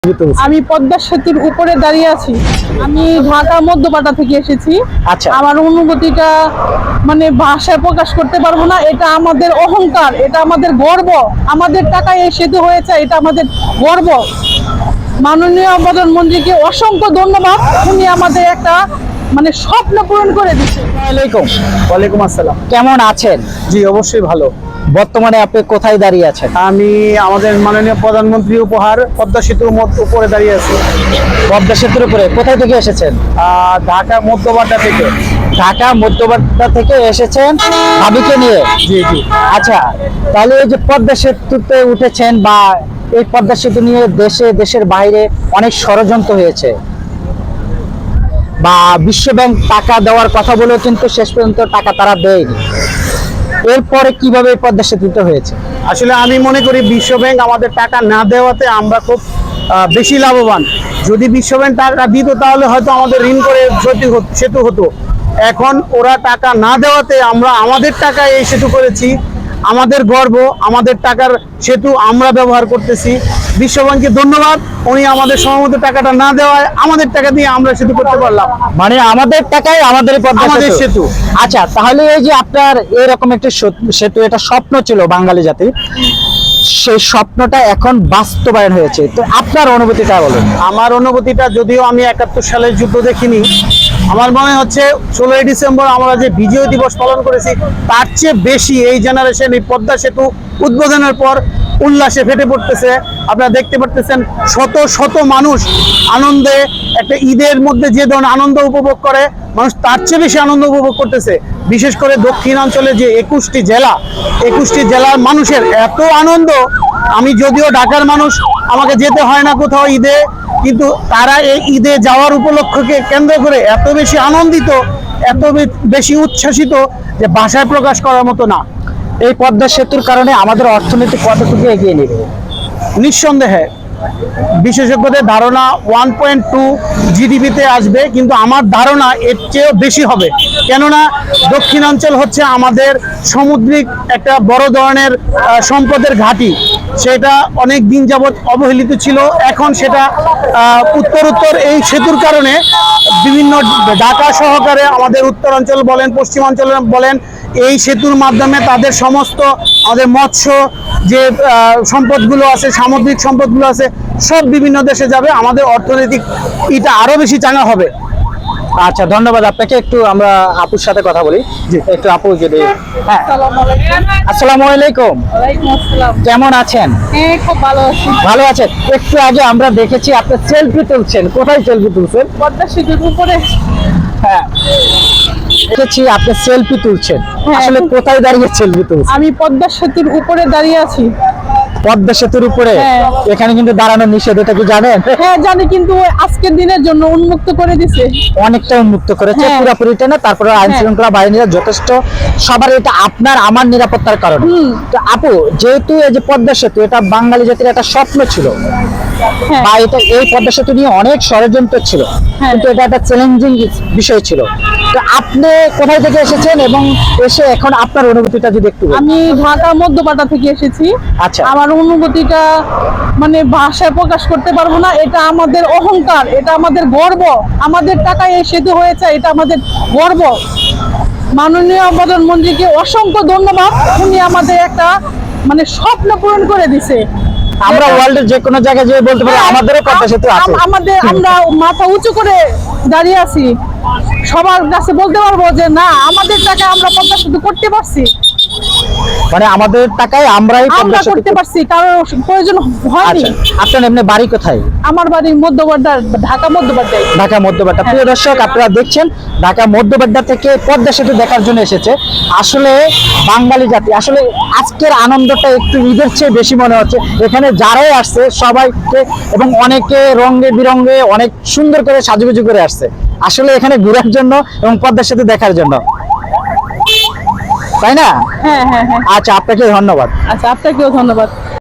আমি পদ্মা সেতুর উপরে দাঁড়িয়ে আছি। আমি ঢাকা মধ্যপাড়া থেকে এসেছি। আচ্ছা, আমার অনুভূতিটা মানে ভাষায় প্রকাশ করতে পারবো না। এটা আমাদের অহংকার, এটা আমাদের গর্ব। আমাদের টাকায় এই সেতু হয়েছে, এটা আমাদের গর্ব। মাননীয় প্রধানমন্ত্রীকে অসংখ্য ধন্যবাদ। উনি আমাদের একটা মানে স্বপ্ন পূরণ করে দিচ্ছে। ওয়ালাইকুম আসসালাম। কেমন আছেন? জি, অবশ্যই ভালো। বর্তমানে আপনি কোথায় দাঁড়িয়ে আছেন? আমি আমাদের মাননীয় প্রধানমন্ত্রী উপহার পদ্মা সেতুর উপরে দাঁড়িয়ে আছি। পদ্মা সেতুর উপরে কোথায় থেকে এসেছেন? ঢাকা মধ্যপাড়া থেকে। ঢাকা মধ্যপাড়া থেকে এসেছেন ভাবিকে নিয়ে? জি জি। আচ্ছা, তাহলে এই যে পদ্মা সেতুতে উঠেছেন বা এই পদ্মা সেতু নিয়ে দেশের বাইরে অনেক ষড়যন্ত্র হয়েছে বা বিশ্বব্যাংক টাকা দেওয়ার কথা বলেও কিন্তু শেষ পর্যন্ত টাকা তারা দেয়নি। এরপরে কিভাবে এই পদ্মা সেতুটা হয়েছে? আসলে আমি মনে করি বিশ্বব্যাংক আমাদের টাকা না দেওয়াতে আমরা খুব বেশি লাভবান। যদি বিশ্বব্যাংক টাকা দিত তাহলে হয়তো আমাদের ঋণ করে সেতু হতো। এখন ওরা টাকা না দেওয়াতে আমরা আমাদের টাকায় এই সেতু করেছি। আমাদের গর্ব, আমাদের টাকার সেতু আমরা ব্যবহার করতেছি। বিশ্বব্যাংককে ধন্যবাদ, উনি আমাদের সময়মতো টাকাটা না দেওয়ায় আমাদের টাকা দিয়ে আমরা সেতু করতে পারলাম। মানে আমাদের টাকায় আমাদের পদ্মা আমাদের সেতু। আচ্ছা, তাহলে এই যে আপনার এরকম একটা সেতু, এটা স্বপ্ন ছিল বাঙালি জাতি, সেই স্বপ্নটা এখন বাস্তবায়ন হয়েছে, তো আপনার অনুভূতিটা বলুন। আমার অনুভূতিটা, যদিও আমি 71 সালের যুদ্ধ দেখিনি, আমার মনে হচ্ছে 16ই ডিসেম্বর আমরা যে বিজয় দিবস পালন করেছি তার চেয়ে বেশি এই জেনারেশন এই পদ্মা সেতু উদ্বোধনের পর উল্লাসে ফেটে পড়তেছে। আপনারা দেখতে পারতেছেন শত শত মানুষ আনন্দে, একটা ঈদের মধ্যে যে ধরনের আনন্দ উপভোগ করে মানুষ তার চেয়ে বেশি আনন্দ উপভোগ করতেছে। বিশেষ করে দক্ষিণাঞ্চলে যে 21টি জেলার মানুষের এত আনন্দ। আমি যদিও ঢাকার মানুষ, আমাকে যেতে হয় না কোথাও ঈদে, কিন্তু তারা এই ঈদে যাওয়ার উপলক্ষকে কেন্দ্র করে এত বেশি আনন্দিত, এত বেশি উচ্ছ্বাসিত যে ভাষায় প্রকাশ করার মতো না। এই পদ্মা সেতুর কারণে আমাদের অর্থনীতি কতটুকু এগিয়ে নেবে? নিঃসন্দেহে বিশেষজ্ঞদের ধারণা 1.2 জিডিপিতে আসবে, কিন্তু আমার ধারণা এর চেয়েও বেশি হবে। কেননা দক্ষিণাঞ্চল হচ্ছে আমাদের সামুদ্রিক একটা বড় ধরনের সম্পদের ঘাঁটি। সেটা অনেক দিন যাবৎ অবহেলিত ছিল। এখন সেটা উত্তর এই সেতুর কারণে বিভিন্ন ঢাকা সহকারে আমাদের উত্তরাঞ্চল বলেন, পশ্চিমাঞ্চল বলেন, এই সেতুর মাধ্যমে তাদের সমস্ত আমাদের মৎস্য যে সম্পদগুলো আছে, সামুদ্রিক সম্পদগুলো আছে, সব বিভিন্ন দেশে যাবে। আমাদের অর্থনৈতিক এটা আরো বেশি চাঙ্গা হবে। আচ্ছা, ধন্যবাদ আপনাকে। একটু আমরা আপুর সাথে কথা বলি। একটু আপু যদি। হ্যাঁ, আসসালামু আলাইকুম। ওয়ালাইকুম আসসালাম। কেমন আছেন? হ্যাঁ, খুব ভালো আছি। ভালো আছেন। একটু আগে আমরা দেখেছি আপনি সেলফি তুলছেন, কোথায় সেলফি তুলছেন? পদ্মা সেতুর উপরে। হ্যাঁ, দেখেছি আপনি সেলফি তুলছেন। হ্যাঁ। আসলে কোথায় দাঁড়িয়ে সেলফি তুলছেন? আমি পদ্মা সেতুর উপরে দাঁড়িয়ে আছি। পদ্মা সেতুর উপরে? হ্যাঁ। এখানে কিন্তু দাঁড়ানো নিষেধ, এটা কি জানেন? হ্যাঁ জানি, কিন্তু ওই আজকের দিনের জন্য উন্মুক্ত করে দিছে। অনেকটা উন্মুক্ত করেছে, হ্যাঁ। পুরোপুরিটা না। তারপরে আইন হ্যাঁ। শৃঙ্খলা বাহিনীরা যথেষ্ট, সবার এটা আপনার আমার নিরাপত্তার কারণে। তো আপু, যেহেতু এই যে পদ্মা সেতু, এটা বাঙালি জাতির একটা স্বপ্ন ছিল, হ্যাঁ। বা এটা এই পদ্মা সেতু নিয়ে অনেক ষড়যন্ত্র ছিল, হ্যাঁ। কিন্তু এটা একটা চ্যালেঞ্জিং বিষয় ছিল। তো আপনি কোথায় থেকে এসেছেন এবং এসে এখন আপনার অনুভূতিটা যদি একটু বলেন। আমি ঢাকা মধ্যপাড়া থেকে এসেছি। আচ্ছা। আমার অনুভূতিটা মানে ভাষায় প্রকাশ করতে পারবো না। এটা আমাদের অহংকার, এটা আমাদের গর্ব। আমাদের টাকায় এই সেতু হয়েছে, এটা আমাদের গর্ব। মাননীয় প্রধানমন্ত্রীকে অসংখ্য ধন্যবাদ। উনি আমাদের একটা মানে স্বপ্ন পূরণ করে দিছে। আমরা ওয়ার্ল্ডের যে কোনো জায়গায় যেয়ে বলতে পারি আমাদেরও পদ্মা সেতু আছে। আমরা মাথা উঁচু করে দাঁড়িয়ে আছি। সবার কাছে বলতে পারবো যে না, আমাদের টাকা আমরা পদ্মা সেতু করতে পারছি। মানে আমাদের টাকায় আমরাই আমরা করতে পারছি, কারণ প্রয়োজন হয়নি। আপনার এমনি বাড়ি কোথায়? আমার বাড়ি মধ্যপাড়া, ঢাকা মধ্যপাড়া। ঢাকা মধ্যপাড়া। প্রিয় দর্শক, আপনারা দেখছেন ঢাকা মধ্যপাড়া থেকে পদ্মা সেতু দেখার জন্য এসেছে। আসলে বাঙালি জাতি, আসলে আজকের আনন্দটা একটু ঈদের চেয়ে বেশি মনে হচ্ছে। এখানে যারাই আসছে সবাইকে, এবং অনেকে রঙে বিরঙে অনেক সুন্দর করে সাজুগুজু করে আসছে আসলে এখানে ঘোরার জন্য এবং পদ্মা সেতু দেখার জন্য, তাই না? হ্যাঁ হ্যাঁ হ্যাঁ। আচ্ছা, আপনাকে ধন্যবাদ। আচ্ছা, আপনাকেও ধন্যবাদ।